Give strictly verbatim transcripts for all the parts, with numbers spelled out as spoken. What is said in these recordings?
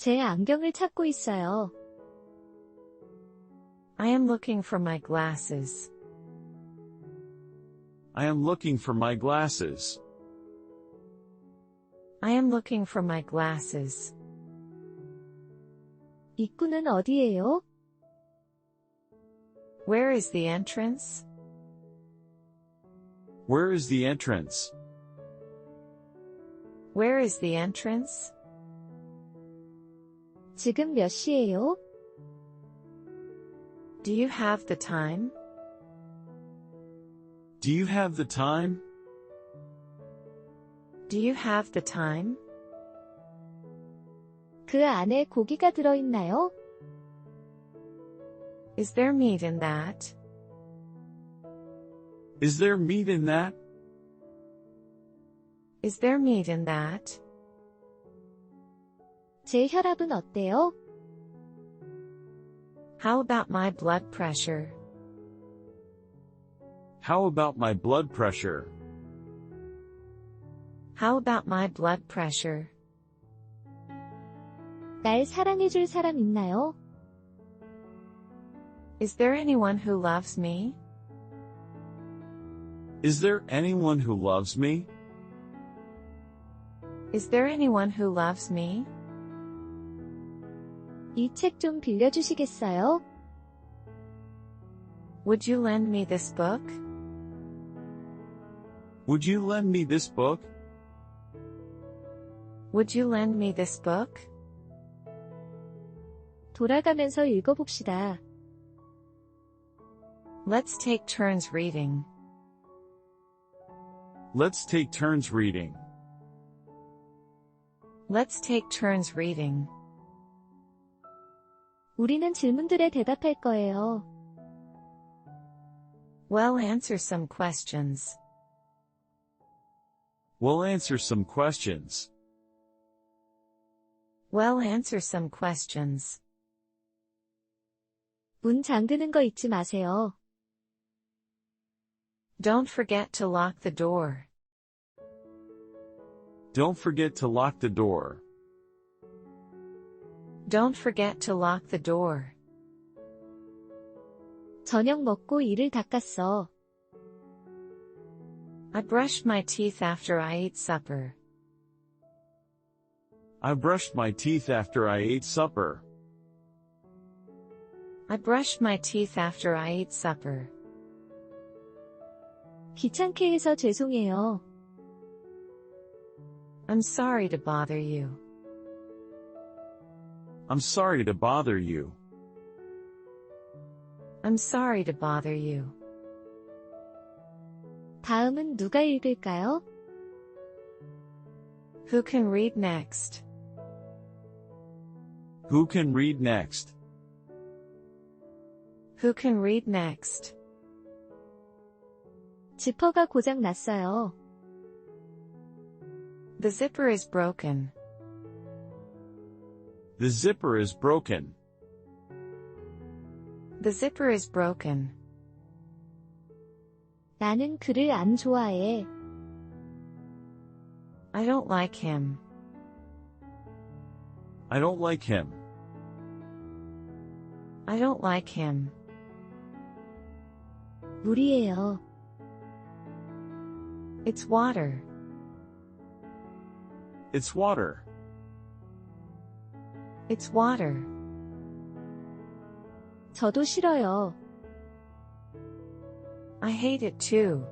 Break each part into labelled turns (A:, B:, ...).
A: 제 안경을 찾고 있어요.
B: I am looking for my glasses.
C: I am looking for my glasses.
B: I am looking for my glasses.
A: 입구는 어디예요?
B: Where is the entrance?
C: Where is the entrance?
B: Where is the entrance?
A: 지금 몇 시예요?
B: Do you have the time?
C: Do you have the time?
B: Do you have the time?
A: 그 안에 고기가 들어있나요?
B: Is there meat in that?
C: Is there meat in that?
B: Is there meat in that?
A: 제 혈압은 어때요?
B: How about my blood pressure?
C: How about my blood pressure?
B: How about my blood pressure?
A: 날 사랑해줄 사람 있나요?
B: Is there anyone who loves me?
C: Is there anyone who loves me?
B: Is there anyone who loves me?
A: 이 책 좀 빌려주시겠어요?
B: Would you lend me this book?
C: Would you lend me this book?
B: Would you lend me this book?
A: 돌아가면서 읽어봅시다.
B: Let's take turns reading.
C: Let's take turns reading.
B: Let's take turns reading.
A: 우리는 질문들에 대답할 거예요.
B: Well, answer some questions.
C: We'll answer some questions.
B: Well, answer some questions.
A: 문 잠그는 거 잊지 마세요.
B: Don't forget to lock the door.
C: Don't forget to lock the door.
B: Don't forget to lock the door.
A: 저녁 먹고 이를 닦았어.
B: I brushed my teeth after I ate supper.
C: I brushed my teeth after I ate supper.
B: I brushed my teeth after I ate supper.
A: 귀찮게 해서 죄송해요.
B: I'm sorry to bother you.
C: I'm sorry to bother you.
B: I'm sorry to bother you.
A: 다음은 누가 읽을까요?
B: Who can read next?
C: Who can read next?
B: Who can read next?
A: 지퍼가 고장 났어요.
B: The zipper is broken.
C: The zipper is broken.
B: The zipper is broken.
A: 나는 그를 안 좋아해.
B: I don't like him.
C: I don't like him.
B: I don't like him.
A: 물이에요.
B: It's water.
C: It's water.
B: It's water.
A: 저도 싫어요.
B: I hate it too.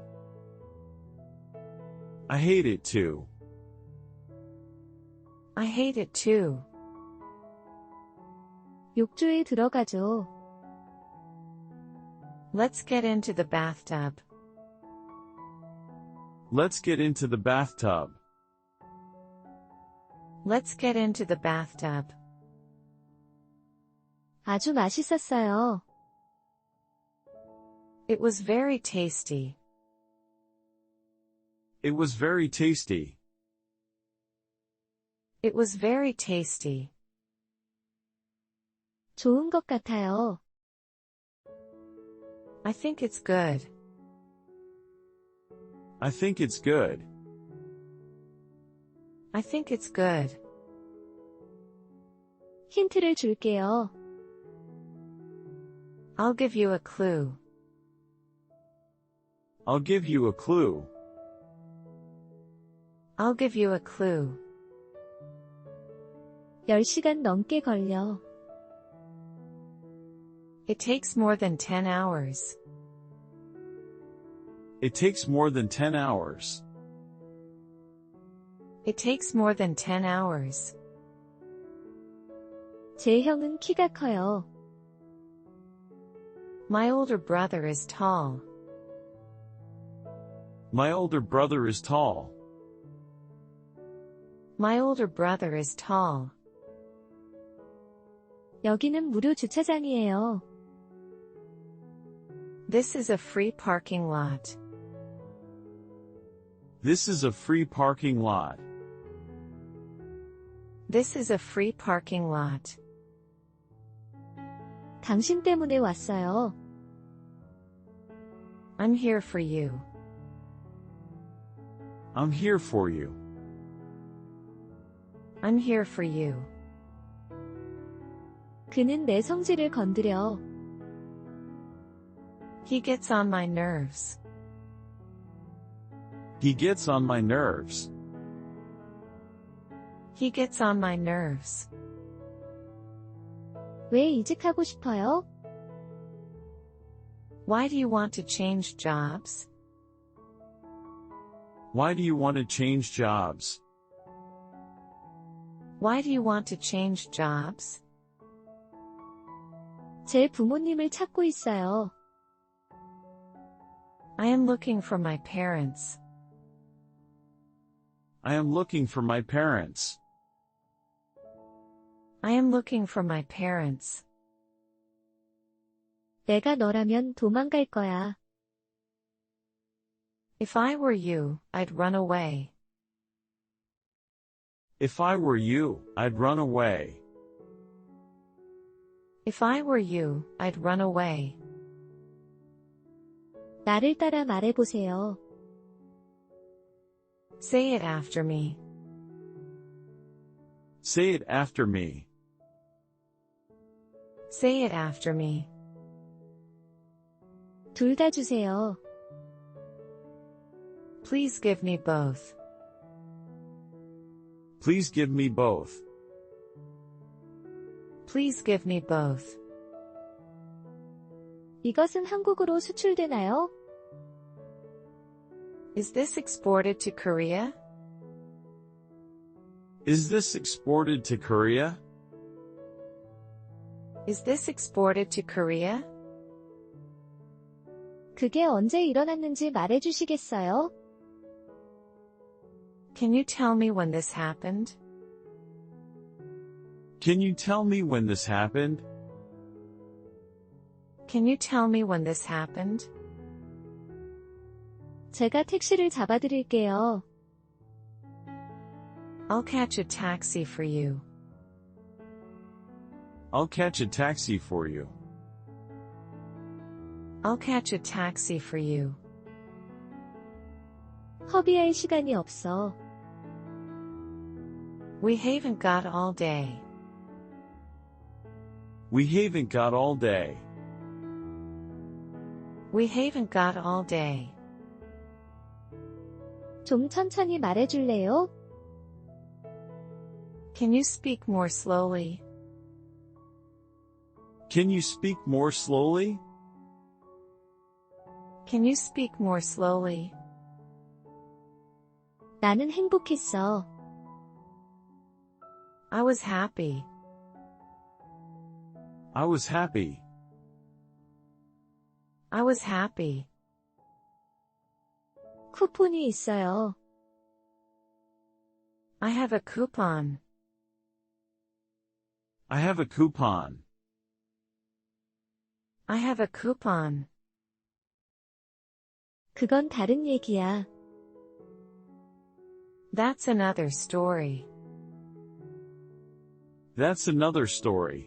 C: I hate it too.
B: I hate it too.
A: 욕조에 들어가죠.
B: Let's get into the bathtub.
C: Let's get into the bathtub.
B: Let's get into the bathtub.
A: 아주 맛있었어요.
B: It was very tasty.
C: It was very tasty.
B: It was very tasty.
A: 좋은 것 같아요.
B: I think it's good.
C: I think it's good.
B: I think it's good.
A: 힌트를 줄게요.
B: I'll give you a clue.
C: I'll give you a clue.
B: I'll give you a clue.
A: 열 시간 넘게 걸려.
B: It takes more than ten hours.
C: It takes more than ten hours.
B: It takes more than ten hours.
A: 제 형은 키가 커요.
B: My older brother is tall.
C: My older brother is tall.
B: My older brother is tall.
A: 여기는 무료 주차장이에요.
B: This is a free parking lot.
C: This is a free parking lot.
B: This is a free parking lot.
A: 당신 때문에 왔어요.
B: I'm here for you.
C: I'm here for you.
B: I'm here for you.
A: 그는 내 성질을 건드려.
B: He gets on my nerves.
C: He gets on my nerves.
B: He gets on my nerves.
A: 왜 이직하고 싶어요?
B: Why do you want to change jobs?
C: Why do you want to change jobs?
B: Why do you want to change jobs?
A: 제 부모님을 찾고 있어요.
B: I am looking for my parents.
C: I am looking for my parents.
B: I am looking for my parents.
A: 내가 너라면 도망갈 거야.
B: If I were you, I'd run away.
C: If I were you, I'd run away.
B: If I were you, I'd run away.
A: 나를 따라 말해보세요.
B: Say it after me.
C: Say it after me.
B: Say it after me.
A: 둘 다 주세요.
B: Please give me both.
C: Please give me both.
B: Please give me both.
A: 이것은 한국으로 수출되나요?
B: Is this exported to Korea?
C: Is this exported to Korea?
B: Is this exported to Korea?
A: 그게 언제 일어났는지 말해주시겠어요?
B: Can you tell me when this happened?
C: Can you tell me when this happened?
B: Can you tell me when this happened?
A: 제가 택시를 잡아드릴게요.
B: I'll catch a taxi for you.
C: I'll catch a taxi for you.
B: I'll catch a taxi for you.
A: 허비할 시간이 없어.
B: We haven't got all day.
C: We haven't got all day.
B: We haven't got all day.
A: 좀 천천히 말해줄래요?
B: Can you speak more slowly?
C: Can you speak more slowly?
B: Can you speak more slowly?
A: 나는 행복했어.
B: I was happy.
C: I was happy.
B: I was happy.
A: 쿠폰이 있어요.
B: I have a coupon.
C: I have a coupon.
B: I have a coupon.
A: 그건 다른 얘기야.
B: That's another story.
C: That's another story.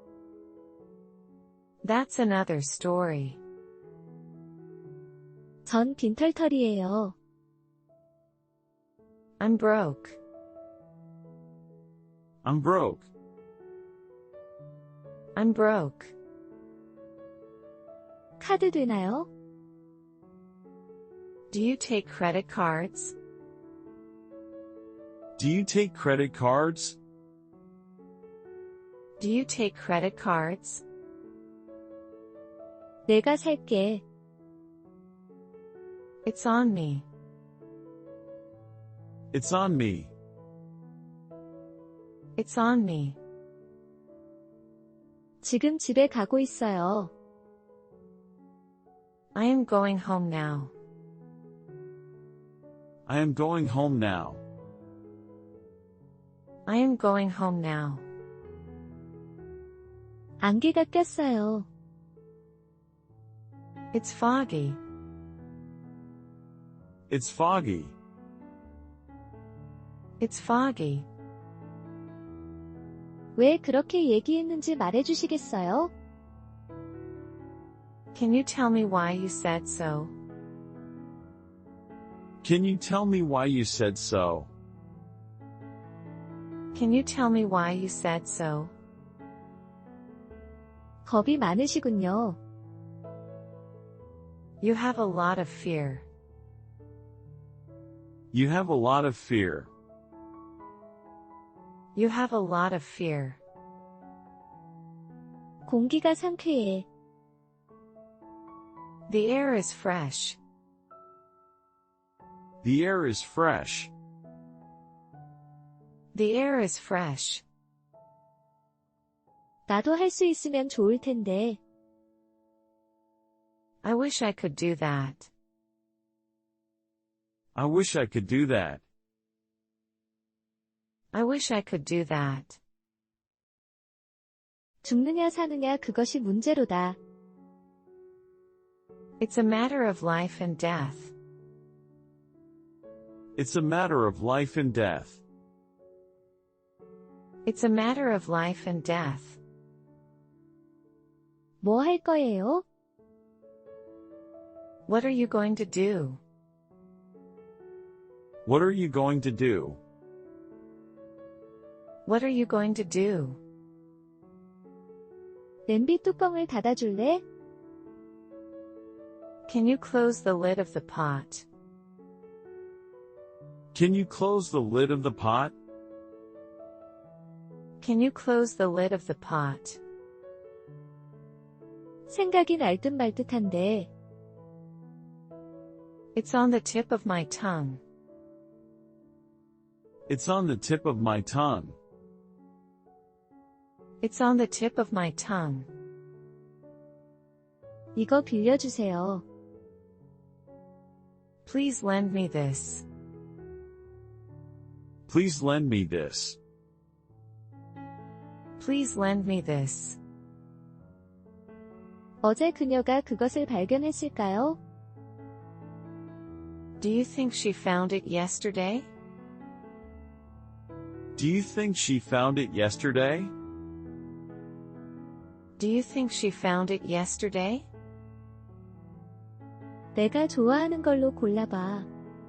B: That's another story.
A: 전 빈털터리예요.
B: I'm broke.
C: I'm broke.
B: I'm broke.
A: 카드 되나요?
B: Do you take credit cards?
C: Do you take credit cards?
B: Do you take credit cards?
A: 내가 살게.
B: It's on me.
C: It's on me.
B: It's on me.
A: 지금 집에 가고 있어요.
B: I am going home now.
C: I am going home now.
B: I am going home now.
A: 안개가 꼈어요.
B: It's foggy.
C: It's foggy.
B: It's foggy.
A: 왜 그렇게 얘기했는지 말해주시겠어요?
B: Can you tell me why you said so?
C: Can you tell me why you said so?
B: Can you tell me why you said so?
A: 겁이 많으시군요.
B: You have a lot of fear.
C: You have a lot of fear.
B: You have a lot of fear.
A: 공기가 상쾌해.
B: The air is fresh.
C: The air is fresh.
B: The air is fresh.
A: 나도 할 수 있으면 좋을 텐데.
B: I wish I could do that.
C: I wish I could do that.
B: I wish I could do that.
A: 죽느냐 사느냐 그것이 문제로다.
B: It's a matter of life and death.
C: It's a matter of life and death.
B: It's a matter of life and death.
A: 뭐 할 거예요?
B: What are you going to do?
C: What are you going to do?
B: What are you going to do?
A: 냄비 뚜껑을 닫아줄래?
B: Can you close the lid of the pot?
C: Can you close the lid of the pot?
B: Can you close the lid of the pot?
A: 생각이 날 듯 말 듯한데.
B: It's on the tip of my tongue.
C: It's on the tip of my tongue.
B: It's on the tip of my tongue.
A: 이거 빌려주세요.
B: Please lend me this.
C: Please lend me this.
B: Please lend me this.
A: 어제 그녀가 그것을 발견했을까요?
B: Do you think she found it yesterday?
C: Do you think she found it yesterday?
B: Do you think she found it yesterday?
A: 내가 좋아하는 걸로 골라봐.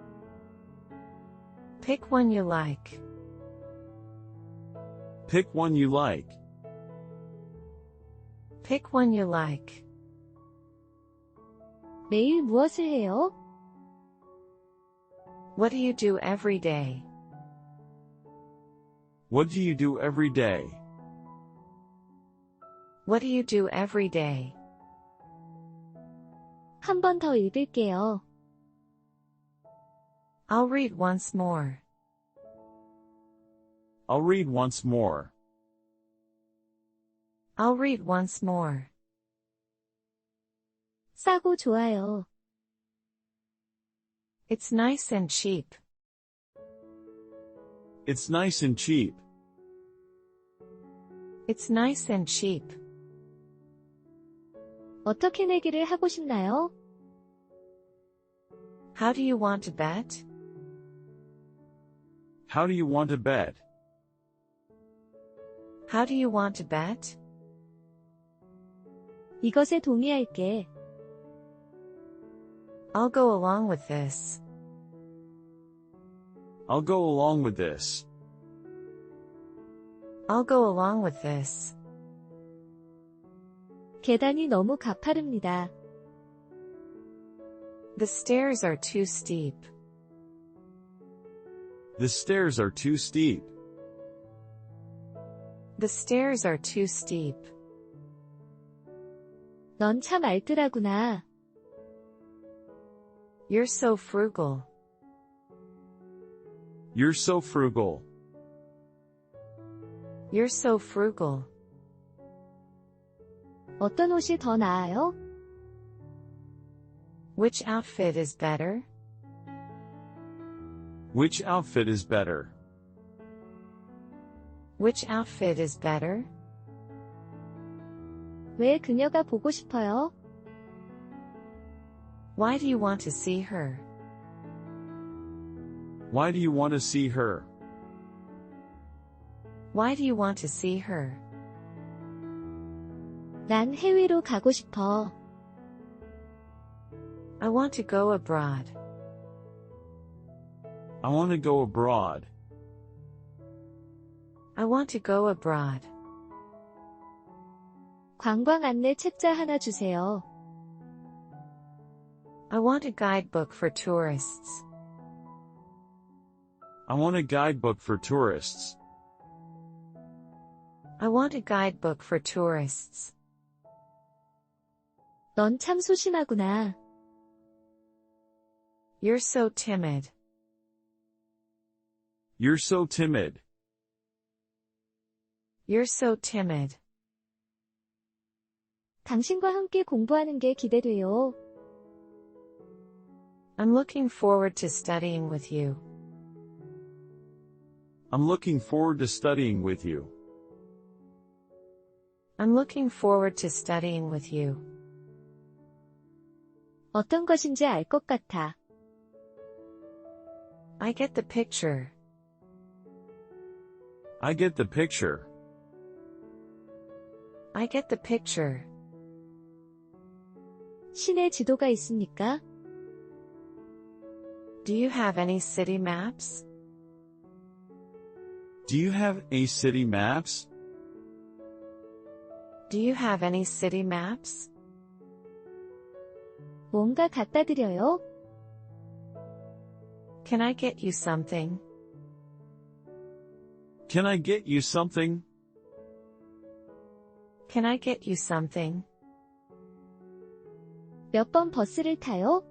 B: Pick one you like.
C: Pick one you like.
B: Pick one you like.
A: 매일 무엇을 해요?
B: What do you do every day?
C: What do you do every day?
B: What do you do every day?
A: 한 번 더 읽을게요.
B: I'll read once more.
C: I'll read once more.
B: I'll read once more.
A: 싸고 좋아요.
B: It's nice and cheap.
C: It's nice and cheap.
B: It's nice and cheap.
A: 어떻게 내기를 하고 싶나요?
B: How do you want to bet?
C: How do you want to bet?
B: How do you want to bet?
A: 이것에 동의할게.
B: I'll go along with this.
C: I'll go along with this.
B: I'll go along with this.
A: 계단이 너무 가파릅니다.
B: The stairs are too steep.
C: The stairs are too steep.
B: The stairs are too steep.
A: 넌 참 알뜰하구나.
B: You're so frugal.
C: You're so frugal.
B: You're so frugal.
A: 어떤 옷이 더 나아요?
B: Which outfit is better?
C: Which outfit is better?
B: Which outfit is better?
A: 왜 그녀가 보고 싶어요?
B: Why do you want to see her?
C: Why do you want to see her?
B: Why do you want to see her?
A: 난 해외로 가고 싶어.
B: I want to go abroad.
C: I want to go abroad.
B: I want to go abroad.
A: 관광 안내 책자 하나 주세요.
B: I want a guidebook for tourists.
C: I want a guidebook for tourists.
B: I want a guidebook for tourists.
A: 넌 참 소심하구나.
B: You're so timid.
C: You're so timid.
B: You're so timid.
A: 당신과 함께 공부하는 게 기대돼요.
B: I'm looking forward to studying with you.
C: I'm looking forward to studying with you.
B: I'm looking forward to studying with you.
A: 어떤 것인지 알 것 같아.
B: I get the picture.
C: I get the picture.
B: I get the picture.
A: 시내 지도가 있습니까?
B: Do you have any city maps?
C: Do you have any city maps?
B: Do you have any city maps?
A: 뭔가 갖다 드려요?
B: Can I get you something?
C: Can I get you something?
B: Can I get you something?
A: 몇 번 버스를 타요?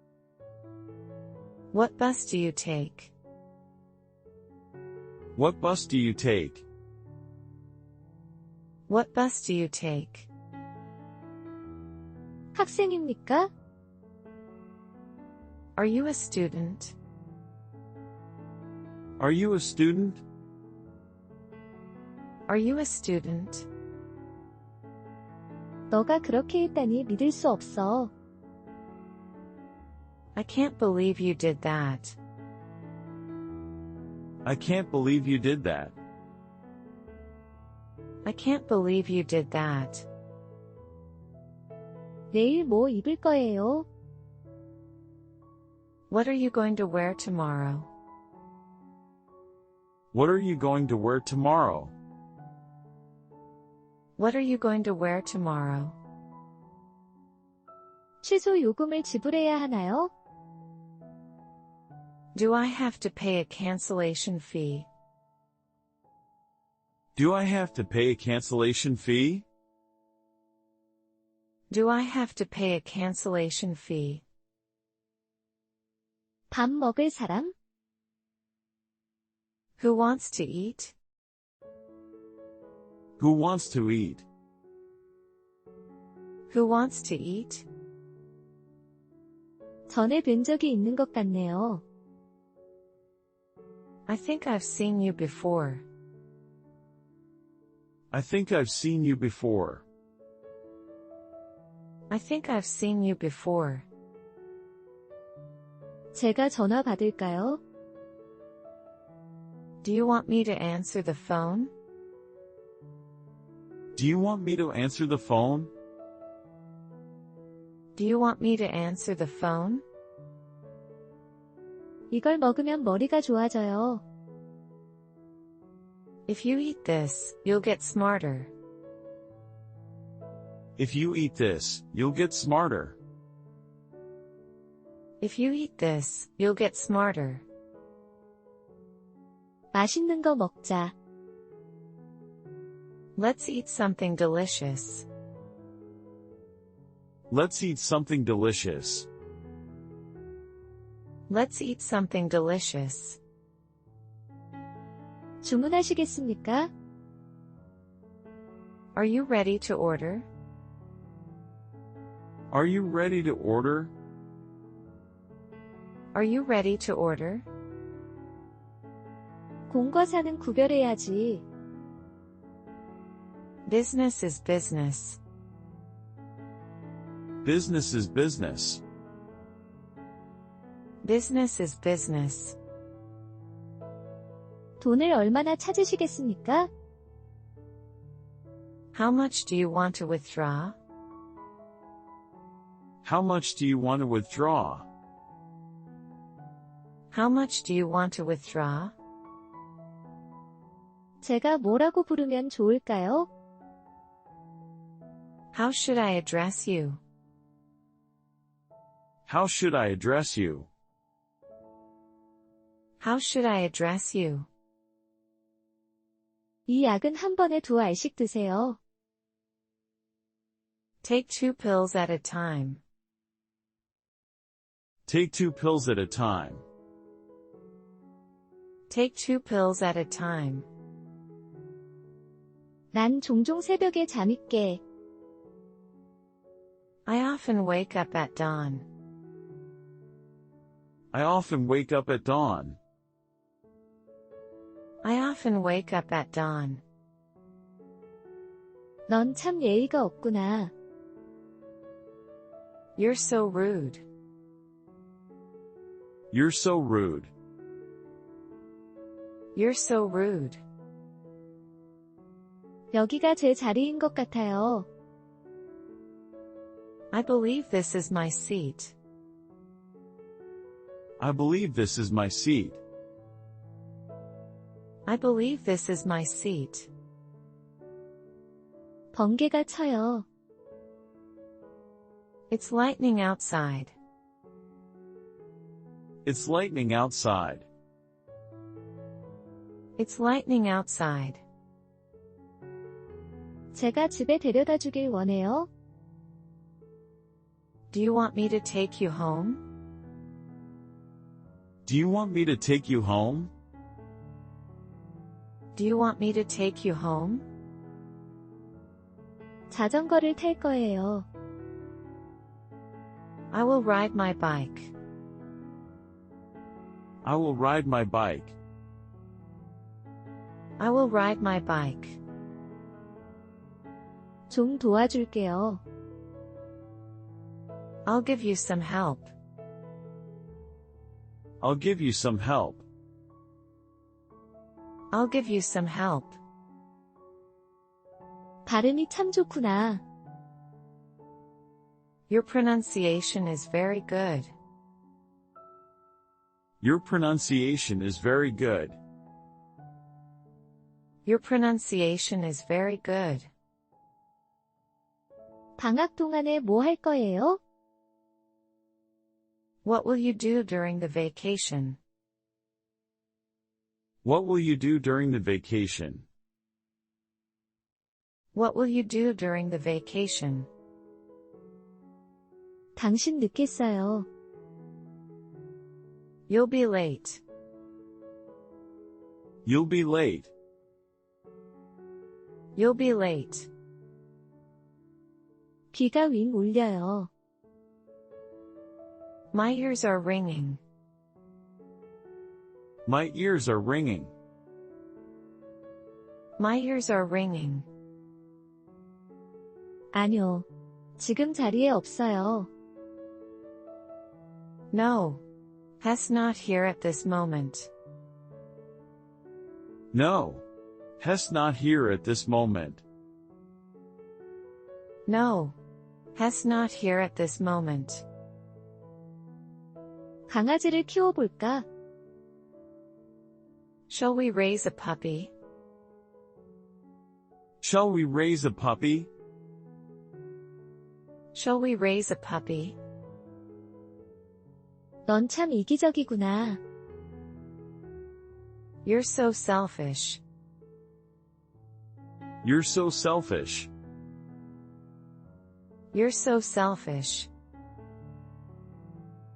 B: What bus do you take?
C: What bus do you take?
B: What bus do you take?
A: 학생입니까?
B: Are you a student?
C: Are you a student?
B: Are you a student?
A: 너가 그렇게 했다니 믿을 수 없어.
B: I can't believe you did that.
C: I can't believe you did that.
B: I can't believe you did that.
A: 내일 뭐 입을 거예요?
B: What are you going to wear tomorrow?
C: What are you going to wear tomorrow?
B: What are you going to wear tomorrow?
A: 취소 요금을 지불해야 하나요?
B: Do I have to pay a cancellation fee?
C: Do I have to pay a cancellation fee?
B: Do I have to pay a cancellation fee?
A: 밥 먹을 사람?
B: Who wants to eat?
C: Who wants to eat?
B: Who wants to eat?
A: 전에 뵌 적이 있는 것 같네요.
B: I think I've seen you before.
C: I think I've seen you before.
B: I think I've seen you before.
A: 제가 전화 받을까요?
B: Do you want me to answer the phone?
C: Do you want me to answer the phone?
B: Do you want me to answer the phone?
A: 이걸 먹으면 머리가 좋아져요.
B: If you eat this, you'll get smarter.
C: If you eat this, you'll get smarter.
B: If you eat this, you'll get smarter.
A: 맛있는 거 먹자.
B: Let's eat something delicious.
C: Let's eat something delicious.
B: Let's eat something delicious.
A: 주문하시겠습니까?
B: Are you ready to order?
C: Are you ready to order?
B: Are you ready to order?
A: 공과 사는 구별해야지.
B: Business is business.
C: Business is business.
B: Business is business.
A: 돈을 얼마나 찾으시겠습니까?
B: How much do you want to withdraw?
C: How much do you want to withdraw?
B: How much do you want to withdraw?
A: 제가 뭐라고 부르면 좋을까요?
B: How should I address you?
C: How should I address you?
B: How should I address you?
A: 이 약은 한 번에 두 알씩 드세요.
B: Take two pills at a time.
C: Take two pills at a time.
B: Take two pills at a time.
A: 난 종종 새벽에 잠이 깨.
B: I often wake up at dawn.
C: I often wake up at dawn.
B: I often wake up at dawn.
A: 넌 참 예의가 없구나.
B: You're so rude.
C: You're so rude.
B: You're so rude.
A: 여기가 제 자리인 것 같아요.
B: I believe this is my seat.
C: I believe this is my seat.
B: I believe this is my seat.
A: 번개가 쳐요.
B: It's lightning outside.
C: It's lightning outside.
B: It's lightning outside.
A: 제가 집에 데려다 주길 원해요.
B: Do you want me to take you home?
C: Do you want me to take you home?
B: Do you want me to take you home?
A: 자전거를 탈 거예요.
B: I will ride my bike.
C: I will ride my bike.
B: I will ride my bike.
A: 좀 도와줄게요.
B: I'll give you some help.
C: I'll give you some help.
B: I'll give you some help.
A: 발음이 참 좋구나.
B: Your pronunciation is very good.
C: Your pronunciation is very good.
B: Your pronunciation is very good.
A: 방학 동안에 뭐 할 거예요?
B: What will you do during the vacation?
C: What will you do during the vacation?
B: What will you do during the vacation?
A: 당신 늦겠어요.
B: You'll be late.
C: You'll be late.
B: You'll be late.
A: 귀가 윙 울려요.
B: My ears are ringing.
C: My ears are ringing.
B: My ears are ringing.
A: 아뇨. 지금 자리에 없어요.
B: No. Has not here at this moment.
C: No. Has not here at this moment.
B: No. Has not here at this moment.
A: 강아지를 키워볼까?
B: Shall we raise a puppy?
C: Shall we raise a puppy?
B: Shall we raise a puppy?
A: 넌 참 이기적이구나.
B: You're so selfish.
C: You're so selfish.
B: You're so selfish.